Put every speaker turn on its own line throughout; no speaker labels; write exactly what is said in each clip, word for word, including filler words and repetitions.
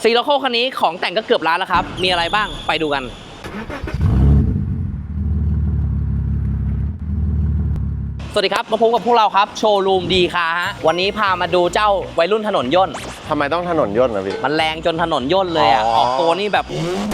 ซีโรโคคันนี้ของแต่งก็เกือบล้านแล้วครับมีอะไรบ้างไปดูกันสวัสดีครับมาพบกับพวกเราครับโชว์รูมดีคาร์ฮะวันนี้พามาดูเจ้าวัยรุ่นถนนย่น
ทำไมต้องถนนย่นนะพี่
มันแรงจนถนนย่นเลยอ่ะออกตัวนี่แบบ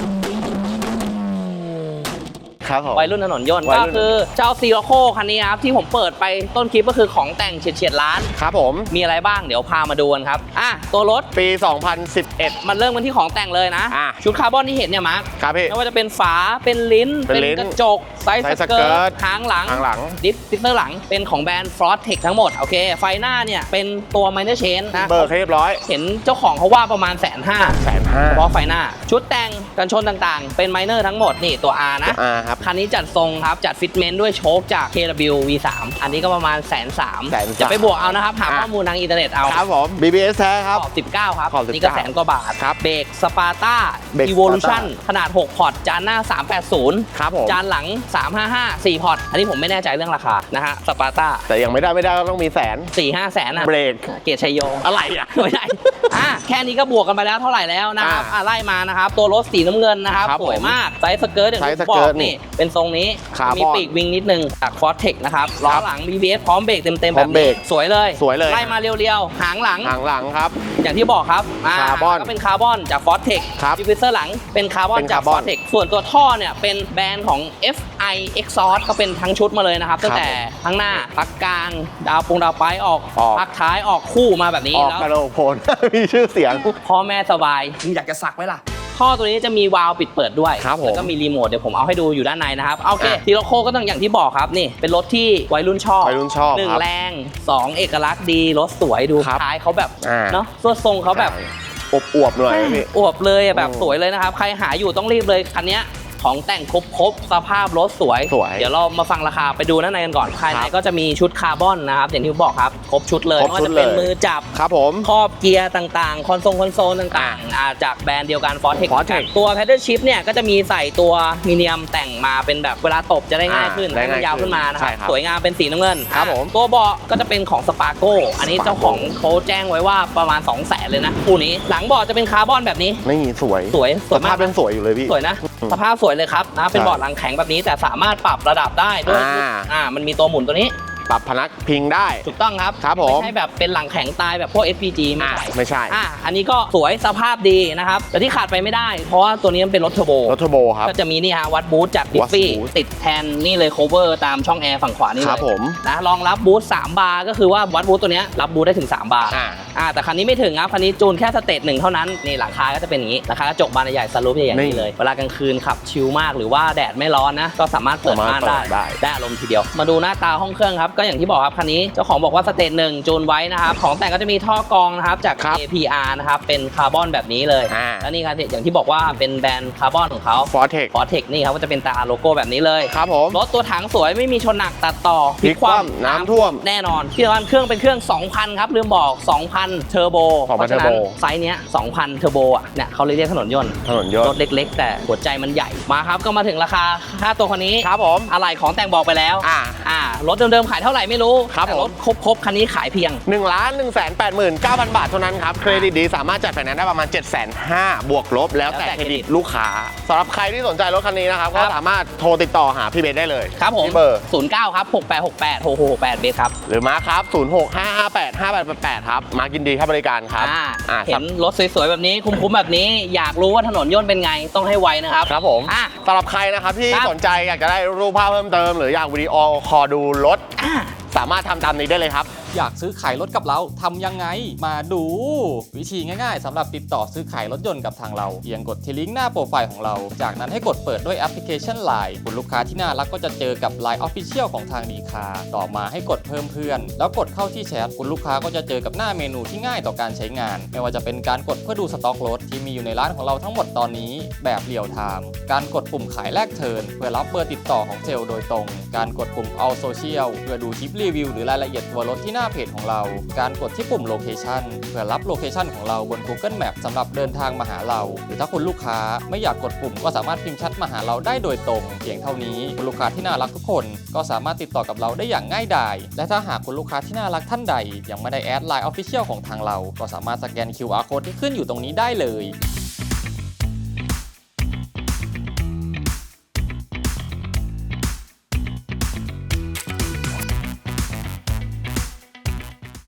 วัยรุ่นถนนย่นก็คือเจ้าซีโรโคคันนี้ครับที่ผมเปิดไปต้นคลิปก็คือของแต่งเฉียดๆล้าน
ครับผม
มีอะไรบ้างเดี๋ยวพามาดูกันครับอ่ะตัวรถ
ปีสองพันสิบเอ็ด
มันเริ่มกันที่ของแต่งเลยนะชุดคาร์บอนที่เห็นเนี่ยมาร์ค
ครับพี่
ไม่ว่าจะเป็นฝาเป็นลิ้นเป็นกระจกไซส์สเกิร์ตหางหลัง
หางหลัง
ดิฟฟิเซอร์หลังเป็นของแบรนด์ Frostech ทั้งหมดโอเคไฟหน้าเนี่ยเป็นตัว Minor Change นะ
เบิกให้เรียบร้อย
เห็นเจ้าของเขาว่าประมาณแสนห้า
แสนห้า
เพราะไฟหน้าชุดแต่งกันชนต่างๆเป็น Minor ทั้งหมดนี่ตัว R นะ
R ครับ
คันนี้จัดทรงครับจัดฟิตเมนต์ด้วยโชคจาก เค ดับเบิลยู วี สาม อันนี้ก็ประมาณแสนสามจะไปบวกเอานะครับหาข้อมูลทางอินเทอร์เน็ตเอา
ครับผม บี บี เอส แท้ครับ
ขอบสิบเก้าครับนี่ก็แสนกว่าบาท
ครับ
เบรกสปาร์ต้า Evolution ขนาดหกพอร์ตจานหน้าสามแปดศูนย์
ครับผม
จานหลังสามห้าห้า สี่พอร์ตอันนี้ผมไม่แน่ใจเรื่องราคานะฮะสปาร์ต้า
แต่ยังไม่ได้ไม่ได้ก็ต้องมีแสน
สี่ห้า แสนอ่ะ
เบรก
เกียรติชัยโย
อะไรอ่ะ
ไม่ได้อ่ะแค่นี้ก็บวกกันไปแล้วเท่าไหร่แล้วนะครับอ่ะไล่มานะครับตัวรถสีน้ำเงินนะครับสวยมากไซส์สเกิร์ตอย่างที่บอกนี่เป็นทรงนี้มีปีกวิงนิดนึงจาก Frostech นะครับล้อหลัง บี บี เอส พร้อมเบรกเต็มๆแบบนี้สวยเลย
สวยเลย
ไล่มาเรียวๆหางหลัง
หางหลังครับ
อย่างที่บอกครับ
คาร์บอน
ก็เป็นคาร์บอนจาก Frostech ดิฟฟิวเซอร์หลังเป็นคาร์บอนจาก Frostech ส่วนตัวท่อเนี่ยเป็นแบรนด์ของ เอฟ ไอ Exhaust ก็เป็นทั้งชุดมาเลยนะครับตั้งแต่ข้างหน้าพักกลางดาวปงดาวไปออกพักท้ายออกคู่มาแบบนี้
แล้วกระโดดโผล่มีชื่อเสียง
พ่อแม่สบายมึงอยากจะสักไหมล่ะท่อตัวนี้จะมีวาล์วปิดเปิดด้วยแล้วก็มีรีโมทเดี๋ยวผมเอาให้ดูอยู่ด้านในนะครับโอเคซีโรโคก็ต้องอย่างที่บอกครับนี่เป็นรถที่วัยรุ่นชอบ
วัยรุ่นชอบ
หนึ่งแรงสองเอกลักษณ์ดีรถสวยดูท้ายเขาแบบเนาะส่วนทรงเขาแบบ
อวบๆหน่อยพี่
อวบเลยแบบสวยเลยนะครับใครหาอยู่ต้องรีบเลยคันนี้ของแต่งครบครบสภาพรถสวยเดี๋ยวเรามาฟังราคาไปดูด้านในกันก่อนภายในก็จะมีชุดคาร์บอนนะครับอย่างที่บอกครับครบชุดเลยไม่ว่าจะเป็นมือจับ
ครับผม
ครอบเกียร์ต่างๆคอนโซลคอนโซลต่างๆจากแบรนด์เดียวกัน Frostech ตัว Pedal Shift เนี่ยก็จะมีใส่ตัวมีเนียมแต่งมาเป็นแบบเวลาตบจะได้ง่ายขึ้นให้มันยาวขึ้นมานะครับสวยงามเป็นสีน้ำเงิน
ครับผม
ตัวเบาะก็จะเป็นของ Sparco อันนี้เจ้าของเขาแจ้งไว้ว่าประมาณ สองแสน เลยนะคู่นี้หลังเบาะจะเป็นคาร์บอนแบบนี้
ไม่สวย
สวย
สภาพเป็นสวยอยู่เลยพี่
สวยนะสภาพสวยเลยครับนะเป็นเบาะหลังแข็งแบบนี้แต่สามารถปรับระดับได้ด้วยอ่ามันมีตัวหมุนตัวนี้
ปรับพนักพิงได้
ถูกต้องครับ
ครับผม
ไม่ใช่แบบเป็นหลังแข็งตายแบบพวก เอส พี จี ไม่ใช่
ไม่ใช่
อ่าอันนี้ก็สวยสภาพดีนะครับแต่ที่ขาดไปไม่ได้เพราะว่าตัวนี้มันเป็นรถเทอร์โบ
รถเทอร์โบครับ
ก็จะมีนี่ฮะวัดบูทจากดิฟฟี่ติดแทนนี่เลยโคเวอร์ตามช่องแอร์ฝั่งขวานี่เลย
ครับผม
นะรองรับบูทสามบาร์ก็คือว่าวัดบูทตัวนี้รับบูทได้ถึงสามบาร์
อ่า
อ่าแต่คันนี้ไม่ถึงครับคันนี้จูนแค่สเตจหนึ่งเท่านั้นนี่หลังคาก็จะเป็นอย่างนี้หลังคากระจกบานใหญ่สลูปใหญ่ๆนี่เลยเวลากลางคืนขับชิลมากหรือว่าแดดไม่ร้อนนะก็สามารถเปิดม่านได้ได้อารมณ์ทีเดียวมาดูหน้าตาห้องเครื่องครับก็อย่างที่บอกครับคันนี้เจ้าของบอกว่าสเตจหนึ่งจูนไว้นะครับของแต่งก็จะมีท่อกรองนะครับจาก เอ พี อาร์ นะครับเป็นคาร์บอนแบบนี้เลยแล้วนี่ครับอย่างที่บอกว่าเป็นแบรนด์คาร์บอนของเขา
Frostech
Frostech นี่ครับก็จะเป็นตาโลโก้แบบนี้เลย
ครับผม
รถตัวถังสวยไม่มีชนหนักตัดต่อ
พลิกคว่ำน้ำท่วม
แน่นอนที่สำคัญเครื่องเป็นเครื่อง สองพัน ครับลืมบอก สองพัน เทอร์โบเพราะฉะนั้นไซส์เนี้ย สองพัน เทอร์โบอ่ะเนี่ยเขาเรียกถนนยนต์
ถนนยนต์
รถเล็กๆแต่หัวใจมันใหญ่มาครับก็มาถึงราคาค่าตัวคันนี้
ครับผม
อะไรของแต่งบอกไปแล้ว
อ่า
อ่ารถเดิมๆขายเท่าไหร่ไม่รู้แต่รถครบๆคันนี้ขายเพียง
หนึ่งล้านหนึ่งแสนแปดหมื่นเก้าพัน บาทเท่านั้นครับเครดิตดีสามารถจัดไฟแนนซ์ได้ประมาณ เจ็ดแสนห้าหมื่น บวกลบแล้วแต่เครดิตลูกค้าสำหรับใครที่สนใจรถคันนี้นะครับก็สามารถโทรติดต่อหาพี่เบสได้เลย
ครับผม
เบอร์
ศูนย์เก้าครับหกแปดหกแปดหกหกหกแปดเบสครับ
หรือมาครับศูนย์หก ห้า ห้า แปด ห้า แปด แปด แปดครับมากินดีครับบริการครับ
เห็นรถสวยๆแบบนี้คุ้มๆแบบนี้อยากรู้ว่าถนนย่นเป็นไงต้องให้ไวนะครับ
ครับผมสำหรับใครนะครับที่สนใจอยากจะได้รูปภาพเพิ่มเติมหรืออยากวิดีโอคอลดูรถสามารถทำตามนี้ได้เลยครับ
อยากซื้อขายรถกับเราทำยังไงมาดูวิธีง่ายๆสำหรับติดต่อซื้อขายรถยนต์กับทางเราเพียงกดที่ลิงก์หน้าโปรไฟล์ของเราจากนั้นให้กดเปิดด้วยแอปพลิเคชัน ไลน์ คุณลูกค้าที่น่ารักก็จะเจอกับ ไลน์ Official ของทางดีคาร์ต่อมาให้กดเพิ่มเพื่อนแล้วกดเข้าที่แชทคุณลูกค้าก็จะเจอกับหน้าเมนูที่ง่ายต่อการใช้งานไม่ว่าจะเป็นการกดเพื่อดูสต็อกรถที่มีอยู่ในร้านของเราทั้งหมดตอนนี้แบบเรียลไทม์การกดปุ่มขายแลกเทิร์นเพื่อรับเบอร์ติดต่อของเซลล์โดยตรงการกดปุ่ม All Social เพื่อดูคลิปรีวิวหรือรายละเอียดตัวรถที่หน้าเพจของเราการกดที่ปุ่ม Location เพื่อรับโลเคชันของเราบน Google Map สำหรับเดินทางมาหาเราหรือถ้าคุณลูกค้าไม่อยากกดปุ่มก็สามารถพิมพ์แชทมาหาเราได้โดยตรงเพียงเท่านี้คุณลูกค้าที่น่ารักทุกคนก็สามารถติดต่อกับเราได้อย่างง่ายดายและถ้าหากคุณลูกค้าที่น่ารักท่านใดยังไม่ได้แอด ไลน์ Official ของทางเราก็สามารถสแกน คิว อาร์ Code ที่ขึ้นอยู่ตรงนี้ได้เลย